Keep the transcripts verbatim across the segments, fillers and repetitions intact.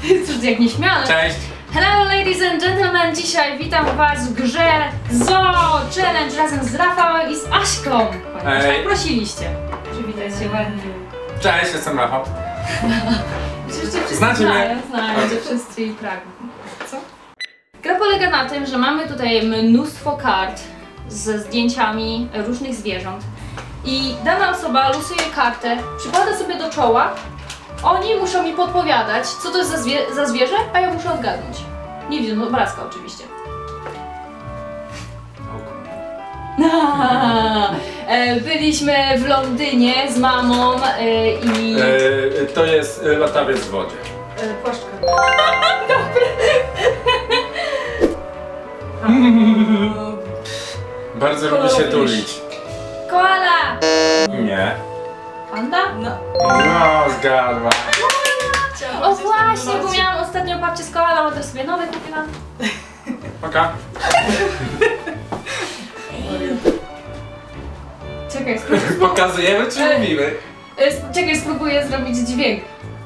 Cóż, jak nieśmiale. Cześć! Hello ladies and gentlemen, dzisiaj witam was w grze Zoo Challenge razem z Rafałem i z Aśką. Tak prosiliście. Przywitaj się ładnie. Cześć, jestem Rafał. Oczywiście wszyscy Znacie znają, mnie? znają, że wszyscy i pragną. Co? Gra polega na tym, że mamy tutaj mnóstwo kart ze zdjęciami różnych zwierząt i dana osoba losuje kartę, przykłada sobie do czoła. Oni muszą mi podpowiadać, co to jest za, zwie za zwierzę, a ja muszę odgadnąć. Nie widzę obrazka oczywiście. Byliśmy w Londynie z mamą i... E, to jest latawiec w wodzie. E, płaszczka. Bardzo lubi się tulić. Koala! Nie. Panda? No. No, zgadła. O właśnie, bo miałam ostatnio babcię z koalą, a teraz sobie nowe kupiłam. Oka. Czekaj, spróbuję. Pokazujemy czy E, mówimy? e, Czekaj, spróbuję zrobić dźwięk.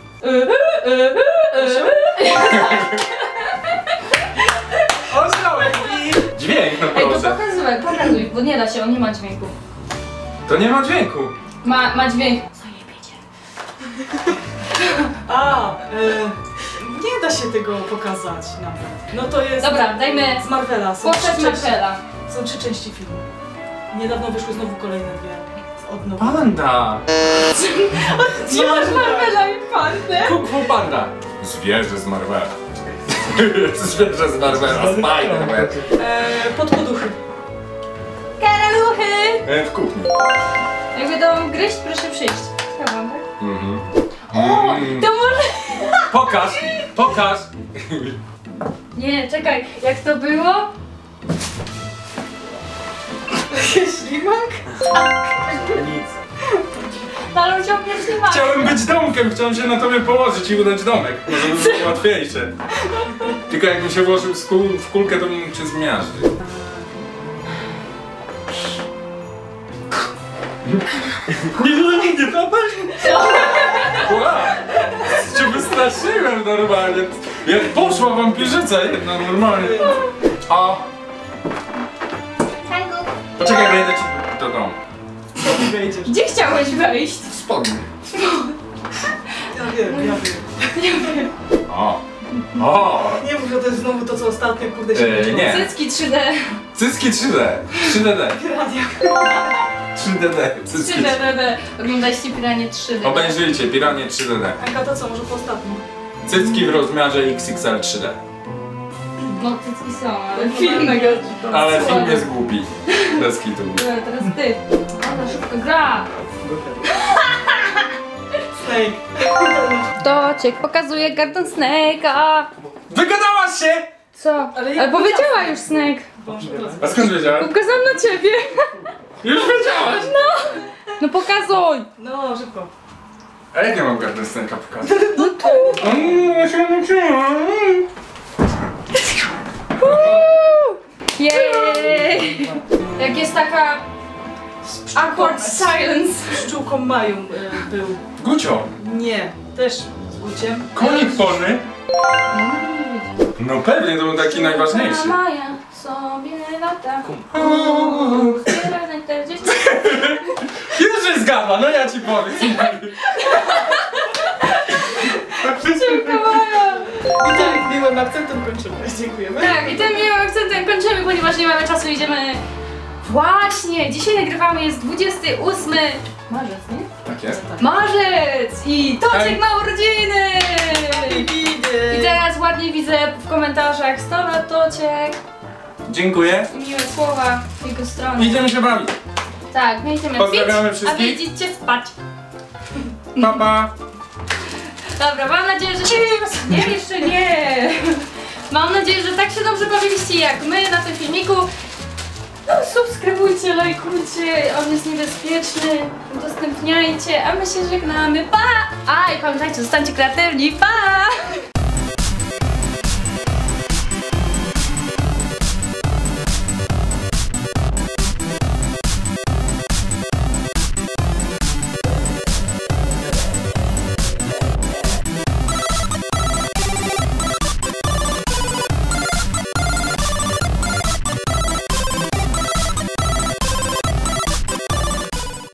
Osiołek i... Dźwięk, no Ej, to proszę. pokazuj, pokazuj, bo nie da się, on nie ma dźwięku. To nie ma dźwięku. Ma, ma dźwięk. Zajebiecie. A, e, nie da się tego pokazać nawet. No to jest... Dobra, dajmy z Marvela. Są postać trzy części- Marvela. Są trzy części filmu. Niedawno wyszły znowu kolejne dwie. Od nowa. Panda. Gdzie masz Marvela i pandę? Kung Fu Panda. Zwierzę z Marvela. Zwierzę z Marvela. Spider-Man. E, podpoduchy. Karaluchy! E, w kuchni. Jak będą gryźć, proszę przyjść. Schowam, tak? Mhm. O, Mm. to może... Pokaż, pokaż. Nie, czekaj, jak to było? Ślimak? Nic. Ale ciągnie ślimaka. Chciałem być domkiem, chciałem się na tobie położyć i udać domek. Może by było łatwiejsze. Tylko jakbym się włożył w, kul w kulkę, to bym mógł cię zmiażdżyć. Nie, nie, nie, to Wow! Cię wystraszyłem normalnie. Jak poszła wampirzyca jedna normalnie. A... Poczekaj, wejdę ci do domu. Co wejdziesz? Gdzie chciałeś wejść? W spodnie. Ja wiem, ja wiem. O! O! Nie mów, że to jest znowu to, co ostatnio, kurde, się Eee, nie. Cycki trzy D. Cycki trzy D. trzy D D. Radia. trzy D D. Cycki. trzy D D D. Oglądaliście Piranie trzy D D. Obejrzyjcie, Piranie trzy D D. Anka, to co, może po ostatnim? Cycki w rozmiarze X X L trzy D. No cycki są, ale film mega. Ale film jest głupi. Bez kitu. Dobra, teraz ty. Ona szybko gra. Snake. To cię pokazuje karton Snake'a. Wygadałaś się! Co? Ale Ale, jak powiedziała już Snake. Boże, teraz. A skąd wiedziałem? Pokazałam na ciebie. Już wiedziałaś! No pokazuj. No, szybko. A jak nie mam gardę scenka pokazać? No tu. Mm, się nauczyłam. Jej. Jak jest taka awkward silence. Z pszczółką Mają e, był. Gucio! Nie, też z Guciem. Konik polny? No pewnie, to był taki najważniejszy. Maja sobie lata. Zbiera na czterdzieści. Już się zgadła, no ja ci powiem. Pszczółka Maja. I tym miłym akcentem kończymy. Dziękujemy. Tak, i tym miłym akcentem kończymy, ponieważ nie mamy czasu, idziemy... Właśnie, dzisiaj nagrywamy, jest dwudziesty ósmy marzec, nie? Tak jest. Marzec! I Tociek Hej. ma urodziny! Widzę. I teraz ładnie widzę w komentarzach sto lat Tociek Dziękuję. i miłe słowa z jego strony. Idziemy się bawić. Tak, my idziemy Pozdrawiamy pić, wszystkich. a wy idziecie spać. Pa, pa. Dobra, mam nadzieję, że się... Nie, jeszcze nie! Mam nadzieję, że tak się dobrze bawiliście jak my na tym filmiku. No, subskrybujcie, lajkujcie, on jest niebezpieczny, udostępniajcie, a my się żegnamy, pa! A i pamiętajcie, zostańcie kreatywni, pa!